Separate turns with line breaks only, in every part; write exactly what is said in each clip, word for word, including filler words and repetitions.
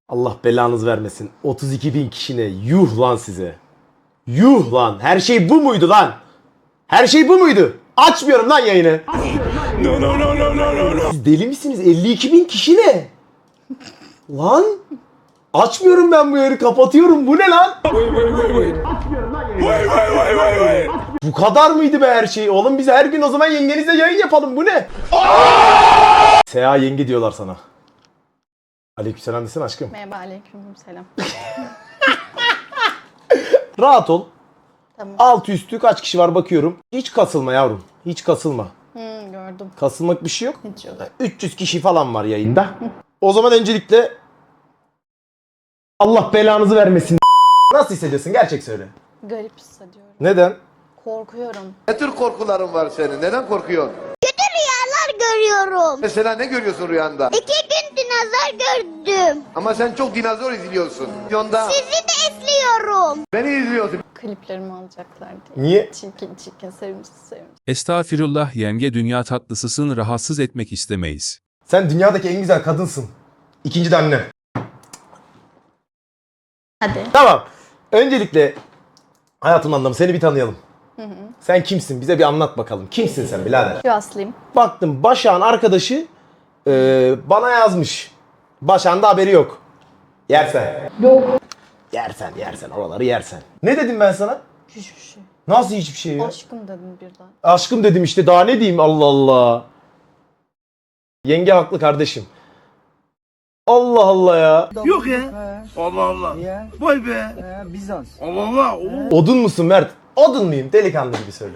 Allah belanız vermesin. otuz iki bin kişine yuh lan size. Yuh lan. Her şey bu muydu lan? Her şey bu muydu? Açmıyorum lan yayını. No, no, no, no, no, no, no. Siz deli misiniz? elli iki bin kişi ne? Lan. Açmıyorum ben bu yayını. Kapatıyorum. Bu ne lan? Vay vay vay vay. Vay vay vay vay vay. Bu kadar mıydı be her şey? Oğlum biz her gün o zaman yengenizle yayın yapalım. Bu ne? Seha yenge diyorlar sana. Aleykümselam desene aşkım.
Merhaba, aleykümselam.
Rahat ol.
Tamam.
Altı üstü kaç kişi var bakıyorum. Hiç kasılma yavrum. Hiç kasılma.
Hmm, gördüm.
Kasılmak bir şey yok.
Hiç yok.
üç yüz kişi falan var yayında. O zaman öncelikle Allah belanızı vermesin. Nasıl hissediyorsun? Gerçek söyle.
Garip hissediyorum.
Neden?
Korkuyorum.
Ne tür korkuların var senin? Neden korkuyorsun?
Kötü rüyalar görüyorum.
Mesela ne görüyorsun rüyanda?
İki gün dinozor gördüm.
Ama sen çok dinozor izliyorsun. Yonda
Sizi de izliyorum.
beni izliyorsun.
Kliplerimi alacaklar diye.
Niye?
Çirkin çirkin, sevimsiz sevimsiz.
Estağfirullah yenge dünya tatlısısın rahatsız etmek istemeyiz.
Sen dünyadaki en güzel kadınsın. İkinci de annem.
Hadi.
Tamam. Öncelikle hayatım anlamı seni bir tanıyalım. Hı hı. Sen kimsin? Bize bir anlat bakalım. Kimsin sen birader?
Şu aslıyım.
Baktım Başak'ın arkadaşı e, bana yazmış. Başak'ın da haberi yok. Yersen.
Yok.
Yersen yersen oraları yersen. Ne dedim ben sana?
Hiçbir şey.
Nasıl hiçbir şey ya?
Aşkım dedim birden.
Aşkım dedim işte daha ne diyeyim Allah Allah. Yenge haklı kardeşim. Allah Allah ya.
Yok ya. Allah Allah. Vay be. Bizans. Allah Allah.
Odun musun Mert? Odun muyum? Delikanlı gibi söyle.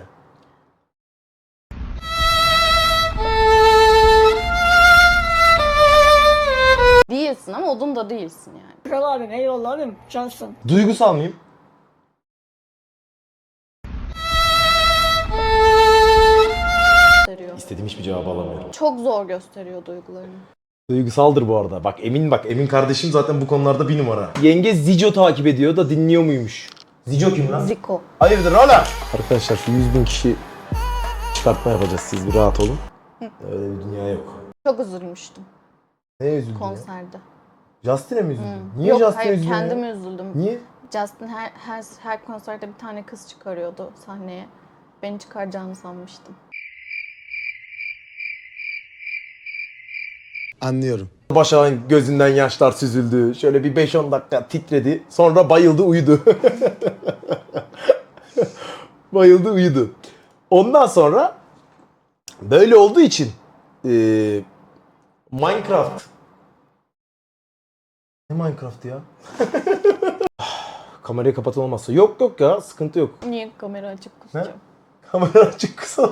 Değilsin ama odun da değilsin yani.
Kral abim eyvallah abim cansın.
Duygusal mıyım?
Gösteriyor.
İstediğim hiçbir cevabı alamıyorum.
Çok zor gösteriyor duygularını.
Duygusaldır bu arada. Bak Emin bak Emin kardeşim zaten bu konularda bir numara. Yenge Zico takip ediyor da dinliyor muymuş? Zico kim lan?
Ziko.
Hayırdır ola? Arkadaşlar şu yüz bin kişi çıkartma yapacağız. Siz bir rahat olun. Öyle bir dünya yok.
Çok üzülmüştüm
Ne üzüldün ya?
konserde.
Justin'e mi üzüldün? Niye
Yok
Justin'e
hayır
üzüldün ya?
kendime üzüldüm.
Niye?
Justin her, her, her konserde bir tane kız çıkarıyordu sahneye. Beni çıkaracağını sanmıştım.
Anlıyorum. Başak'ın gözünden yaşlar süzüldü. Şöyle bir beş on dakika titredi. Sonra bayıldı uyudu. bayıldı uyudu. Ondan sonra böyle olduğu için ee, Minecraft. Ne Minecraft ya? Kamerayı kapatın olmazsa. Yok yok ya sıkıntı yok.
Niye kamera açık kusacağım?
Kamera açık kısa.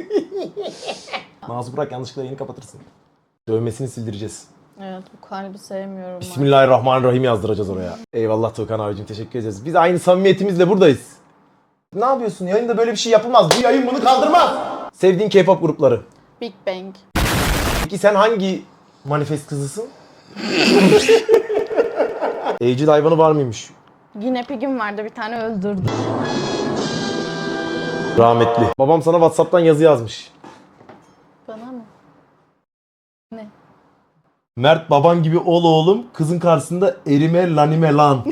Nazı bırak yanlışlıkla yayını kapatırsın. Dövmesini sildireceğiz.
Evet bu kalbi sevmiyorum.
Bismillahirrahmanirrahim yazdıracağız oraya. Eyvallah Tuğkan abicim teşekkür ederiz. Biz aynı samimiyetimizle buradayız. Ne yapıyorsun? Yayında böyle bir şey yapılmaz. Bu yayın bunu kaldırmaz. Sevdiğin K-pop grupları.
Big Bang.
Peki sen hangi manifest kızısın? Evcil hayvanı var mıymış?
Yine Pig'im vardı bir tane öldürdüm.
Rahmetli. Babam sana WhatsApp'tan yazı yazmış.
Bana mı? Ne?
Mert baban gibi ol oğlum. Kızın karşısında erime lanime lan.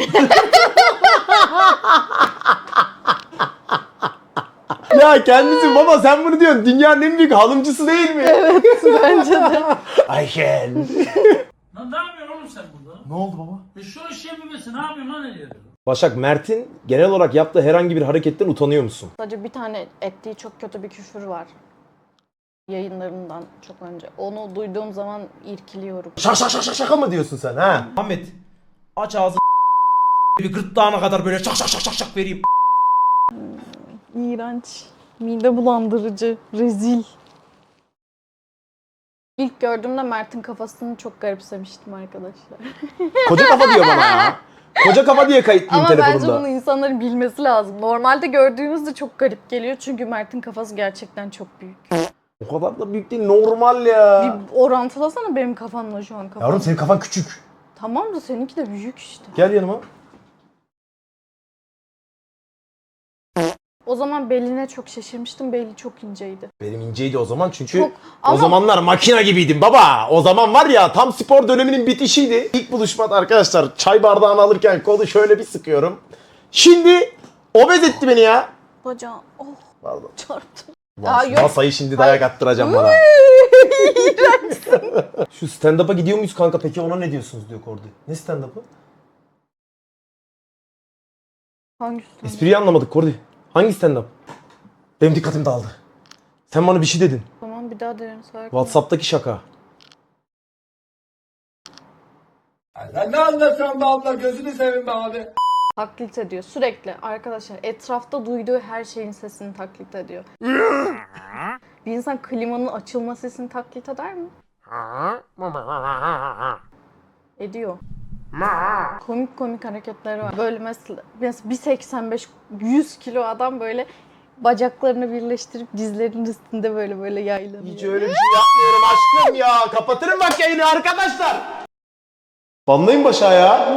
Ya kendisi baba sen bunu diyorsun. Dünyanın en büyük halımcısı değil mi?
Evet bence de.
Ayşen.
Lan ne yapıyorsun oğlum sen burada?
Ne oldu baba?
E şu iş yapıyorsun, ne yapıyorsun lan ediyorsun?
Başak Mert'in genel olarak yaptığı herhangi bir hareketten utanıyor musun?
Sadece bir tane ettiği çok kötü bir küfür var. Yayınlarından çok önce. Onu duyduğum zaman irkiliyorum.
Şaka şaka şaka şaka mı diyorsun sen ha? Ahmet aç ağzını bir gırtlağına kadar böyle şak şak şak şak şak vereyim.
İğrenç. Mide bulandırıcı. Rezil. İlk gördüğümde Mert'in kafasını çok garipsemiştim arkadaşlar.
Koca kafa diyor bana ya. Koca kafa diye kayıtlıyım
Ama bence
telefonumda.
bunu insanların bilmesi lazım. Normalde gördüğünüzde çok garip geliyor çünkü Mert'in kafası gerçekten çok büyük.
O kadar da büyük değil normal ya.
Bir orantılasana benim kafamla şu an kafam.
Yavrum senin kafan küçük.
Tamam da seninki de büyük işte.
Gel yanıma.
O zaman zaman beline çok şaşırmıştım. Beli çok inceydi.
Benim inceydi o zaman çünkü
Çok-
o
ama-
zamanlar makina gibiydim baba. O zaman var ya tam spor döneminin bitişiydi. İlk buluşmada arkadaşlar çay bardağını alırken kolu şöyle bir sıkıyorum. Şimdi obez etti beni ya.
Bacağım oh
Pardon.
çarptım.
Ulan
Aa,
şu
yok.
masayı şimdi dayak
Hayır.
attıracağım bana. Şu stand-up'a gidiyor muyuz kanka peki ona ne diyorsunuz diyor Kordi. Ne stand-up'ı?
Hangisi?
Espriyi anlamadık Kordi. Hangi stand-up? Benim dikkatim dağıldı. Sen bana bir şey dedin.
Tamam bir daha denerim. Sakin.
WhatsApp'taki şaka.
Sen ne anlatıyorsun be abla gözünü seveyim be abi.
Taklit ediyor sürekli. Arkadaşlar etrafta duyduğu her şeyin sesini taklit ediyor. Bir insan klimanın açılma sesini taklit eder mi? Ediyor. Komik komik hareketleri var. Böyle mesela, mesela bir seksen beş yüz kilo adam böyle bacaklarını birleştirip dizlerinin üstünde böyle böyle yaylanıyor.
Hiç öyle bir şey yapmıyorum aşkım ya. Kapatırım bak yayını arkadaşlar. Banlayın başa ya.